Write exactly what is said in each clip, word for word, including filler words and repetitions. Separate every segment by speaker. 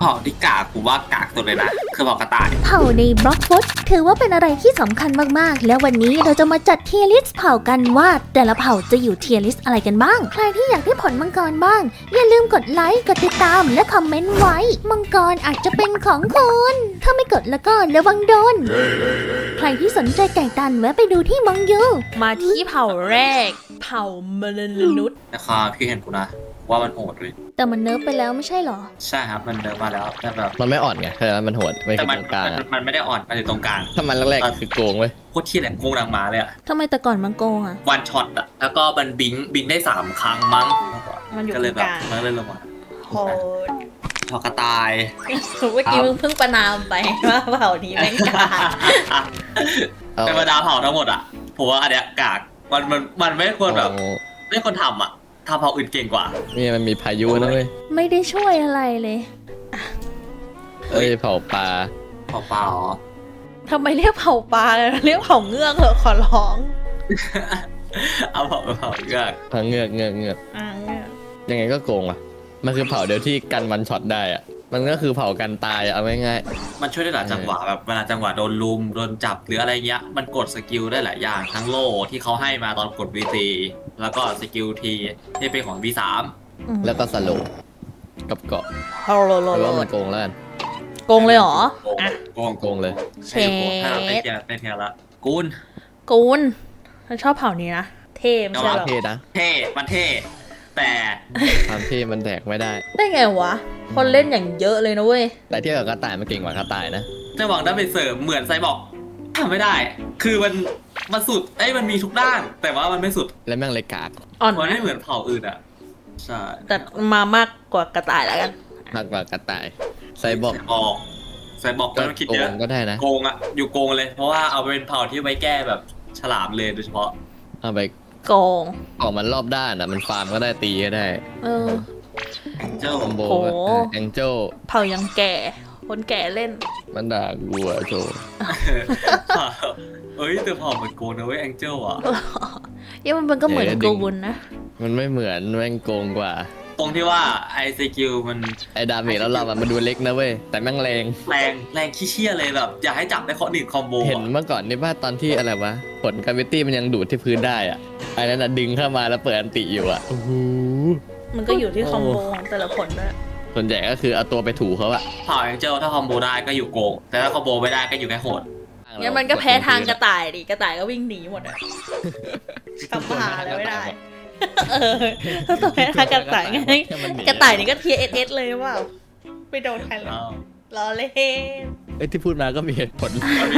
Speaker 1: เผ่าที่กากกูว่ากากสุดเลยนะคือเผ่ากระต่าย
Speaker 2: เผ่าในบล็อกฟุตถือว่าเป็นอะไรที่สำคัญมากๆแล้ววันนี้เราจะมาจัดเทียร์ลิสต์เผ่ากันว่าแต่ละเผ่าจะอยู่เทียร์ลิสต์อะไรกันบ้างใครที่อยากได้ผลมังกรบ้างอย่าลืมกดไลค์กดติดตามและคอมเมนต์ไว้มังกรอาจจะเป็นของคุณถ้าไม่กดแล้วก็ระวังโดนใครที่สนใจไก่ตันแวะไปดูที่มังยู
Speaker 3: มาที่เผ่าแรกเผ่ามนุษย์
Speaker 1: นะครับพี่เห็นกูนะว่ามันโหดเลย
Speaker 2: แต่มันเนิร์ฟไปแล้วไม่ใช่หรอ
Speaker 1: ใช่ครับมันเดินมาแล้วแต่แบบ
Speaker 4: มันไม่อ่อนไงแต่มันโหดไม่
Speaker 1: แต่
Speaker 4: คือตรงกลาง
Speaker 1: มันไม่ได้อ่อนมันอยู่ตรงกลาง
Speaker 4: ถ้ามันแรกๆคือโกงเว้ย
Speaker 1: โคตรเที่ยแหลมโกงดังมาเลยอะ
Speaker 2: ทำไมแต่ก่อนมันโกงอะ
Speaker 1: วันช็อตอะแล้วก็มันบิงบิงได้สามครั้งมั้ง
Speaker 3: มันอยู่ตรงกลาง
Speaker 1: มันเลยลงมา
Speaker 3: โหด
Speaker 1: เผ่ากระต่าย
Speaker 3: เมื่อกี้มึงเพิ่งประนามไปว่าเผ่านี้แม่งกาก
Speaker 1: เป็นบรรดาเผ่าทั้งหมดอะผมว่าอันเนี้ยกากมันมันมันไม่ควรแบบไม่ควรทำอะทำเผ่าอื่นเก่งกว่า
Speaker 4: นี่มันมีพายุนะเว้ย
Speaker 2: ไม่ได้ช่วยอะไรเลย
Speaker 4: เอ้ยเผาปลา
Speaker 1: เผาปลาเหรอ
Speaker 3: ทำไมเรียกเผาปลาเรียกเผาเงือกเหรอขอร้อง
Speaker 1: เอาเผาเผาเงือก
Speaker 4: เผาเงือกเงือกเงือก
Speaker 3: อ่าเงือก
Speaker 4: ยังไงก็โกงอ่ะมันคือเผาเดียวที่กันวันช็อตได้อ่ะมันก็คือเผากันตายเอาง่าย
Speaker 1: ๆมันช่วยได้หลายจังหวะแบบเวลาจังหวะโดนลุมโดนจับหรืออะไรเงี้ยมันกดสกิลได้หลายอย่างทั้งโล่ที่เขาให้มาตอนกด วี ซี แล้วก็สกิลทีที่เป็นของ วี สาม
Speaker 4: แล้วก็สโลกับเกาะ
Speaker 3: โอ้โห
Speaker 4: หรือว่ามันโกงแล้ว
Speaker 3: โกงเลยเหรอ
Speaker 1: โกง
Speaker 4: โกงเลย
Speaker 3: เช
Speaker 1: ฟไม่เทียไม่เทียละกูน
Speaker 3: กูนฉันชอบเผ่านี้นะเท่ไม่ใช่หรอ
Speaker 4: เท่นะ
Speaker 1: เท่มันเท่แต่
Speaker 4: ความเท่มันแดกไม่ได้
Speaker 3: ได้ไงวะคนเล่นอย่างเยอะเลยนะเว้ย
Speaker 4: แต่เทียบกับกระต่ายมันเก่งกว่ากระต่ายนะ
Speaker 1: จะหวังได้ไปเสริมเหมือนไซบอกทำไม่ได้คือมันมันสุดไอ้มันมีทุกด้านแต่ว่ามันไม่สุด
Speaker 4: และแม่งเลยกาก
Speaker 3: อ่อน
Speaker 1: มันไม่เหมือนเผ่าอื่นอ่ะใช่
Speaker 3: แต่มามากกว่ากระต่ายแล้วกัน
Speaker 4: มากกว่ากระต่ายไซบอก
Speaker 1: บอกไซบอกก็ต้องคิดเยอะ
Speaker 4: ก็ได้นะ
Speaker 1: โกงอ่ะอยู่โกงเลยเพราะว่าเอาไปเป็นเผ่าที่ไว้แก้แบบฉลามเลยโดยเฉพาะ
Speaker 4: เอาไป
Speaker 3: โกง
Speaker 4: ออกมันรอบด้านอ่ะมันฟาร์มก็ได้ตีก็ได้
Speaker 3: เออ
Speaker 1: แองเจิล
Speaker 4: คอมโบแองเจิล
Speaker 3: เผ่ายังแก่คนแก่เล่น
Speaker 4: มันด่ากูอ่ะโจ
Speaker 1: เอ้ยแต่เผ่ามันโกงนะเว้ยแองเจิลอ่ะ
Speaker 3: ยังมันก็เหมือนโกบุนนะ
Speaker 4: มันไม่เหมือนแม่งโกงกว่า
Speaker 1: ตรงที่ว่าไอซีคิวมัน
Speaker 4: ไอดาเมจแล้วเราอะมันดูเล็กนะเว้ยแต่แม่งแรง
Speaker 1: แรงแรงขี้เชี่ยเลยแบบอยากให้จับได้ข้อหนึ่งคอมโบ
Speaker 4: เห็นเมื่อก่อนนี่ว่าตอนที่อะไรวะผลกราฟิตี้มันยังดูดที่พื้นได้อ่ะไอ้นั่นน่ะดึงเข้ามาแล้วเปิดอันติอยู่อ่ะโอ้โห
Speaker 3: มันก็อยู่ที่คอมโบของแต่ละผลด้วย
Speaker 4: ส่วนใหญ่ก็คือเอาตัวไปถูเขาอะ
Speaker 1: เผ่าแองเจิลถ้าคอมโบได้ก็อยู่โกงแต่ถ้าคอมโบไม่ได้ก็อยู่แค่โหด
Speaker 3: งั้นมันก็แพ้ทางกระต่ายดิกระต่ายก็วิ่งหนีหมดอ่ะทำผ่าอะไรไม่ได้เออถ้าตัวแพ้ทางกระต่ายไงกระต่ายนี่ก็เทียเอสเอสเลยว่าไม่โดนใครเลยล้อเล่น
Speaker 4: เอ้ยที่พูดมาก็มีเหตุผล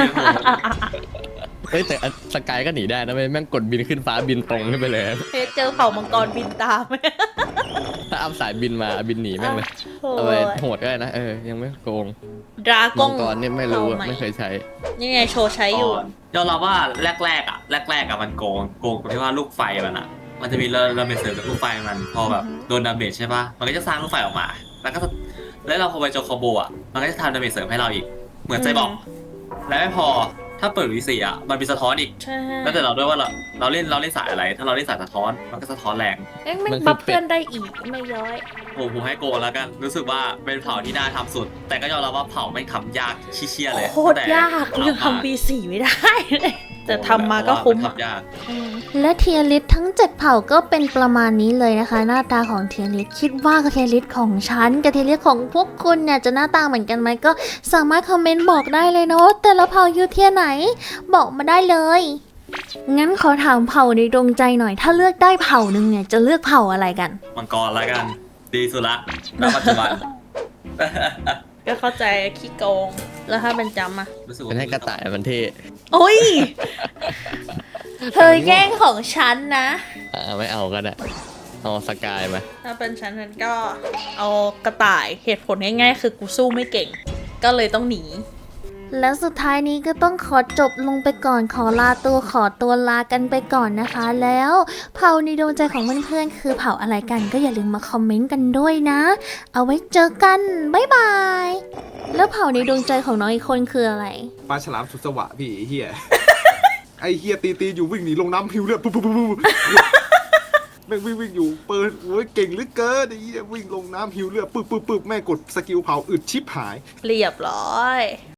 Speaker 4: เฮ้ยแต่สกายก็หนีได้นะแม่งกดบินขึ้นฟ้าบินตรงขึ้นไปเลย
Speaker 3: เจอเผ่ามังกรบินตาม
Speaker 4: ถ้าอัพสายบินมาบินหนีแม่งเลยเอาไปโหดก็ได้นะเออยังไม่โกง
Speaker 3: ดราก้
Speaker 4: องมังกรนี่ไม่รู้ไม่เคยใช้
Speaker 3: นี่ไงโชว์ใช้อยู่
Speaker 1: ยอมรับว่าแรกๆอ่ะแรกๆอ่ะมันโกงโกงตรงที่ว่าลูกไฟมันอ่ะมันจะมีเราเราไปเสริมจากลูกไฟมันพอแบบโดนดาเมจใช่ปะมันก็จะสร้างลูกไฟออกมาแล้วก็แล้วเราพอไปโจคอมโบอ่ะมันก็จะทำดาเมจเสริมให้เราอีกเหมือนใจบอกและไม่พอถ้าเปิดวีซีอ่ะมันมีสะท้อนอีกแล้วแต่เราด้วยว่าเราเราเล่นเราเล่นสายอะไรถ้าเราเล่นสายสะท้อนมันก็สะท้อนแรง
Speaker 3: เอ้ยมันบัฟเพื่อนได้อีกไม่ย้อย
Speaker 1: ผมผมให้โกงแล้วกันรู้สึกว่าเป็นเผ่าที่น่าทำสุดแต่ก็ยอมรับว่าเผ่าไม่ทำยากชี้เชี่ยเลย
Speaker 3: โคตรยากยังทำวีซีไม่ได้แต่ทำมาก็คุ้ม
Speaker 2: และเทียร์ลิสทั้งเจ็ดเผ่าก็เป็นประมาณนี้เลยนะคะหน้าตาของเทียร์ลิสคิดว่าเทียร์ลิสของฉันกับเทียร์ลิสของพวกคุณเนี่ยจะหน้าตาเหมือนกันไหมก็สามารถคอมเมนต์บอกได้เลยนะว่าแต่ละเผ่าอยู่เทียร์ไหนบอกมาได้เลยงั้นขอถามเผ่าในดวงใจหน่อยถ้าเลือกได้เผ่านึงเนี่ยจะเลือกเผ่าอะไรกัน
Speaker 1: มังกรแล้วกันดีสุดละณปัจจุบัน
Speaker 3: ก็เข้าใจขี้โกงแล้วถ้าเป็นจำอ่ะ
Speaker 4: เป็นให้กระต่ายมันเท่
Speaker 3: โอ้ยเธอแย่งของฉันนะ
Speaker 4: อ่าไม่เอาก็ได้เอาสกายมา
Speaker 3: ถ้าเป็นฉันฉันก็เอากระต่ายเหตุผลง่ายๆคือกูสู้ไม่เก่งก็เลยต้องหนี
Speaker 2: แล้วสุดท้ายนี้ก็ต้องขอจบลงไปก่อนขอลาตัวขอตัวลากันไปก่อนนะคะแล้วเผ่าในดวงใจของเพื่อนๆคือเผ่าอะไรกันก็อย่าลืมมาคอมเมนต์กันด้วยนะเอาไว้เจอกันบ๊ายบายแล้วเผ่าในดวงใจของน้องอีกคนคืออะไร
Speaker 5: ปลาฉลามสุดสวะพี่เฮียไอเฮียตีตีอยู่วิ่งหนีลงน้ำพิวเลือดปุ๊บปุ๊บปุ๊บแม่งวิ่งวิ่งอยู่เปิดโอ้ยเก่งเหลือเกินไอ้เหี้ยวิ่งลงน้ำหิวเลือดปึ๊บปึ๊บปึ๊บแม่งกดสกิลเผาอึดชิบหาย
Speaker 3: เรียบร้อย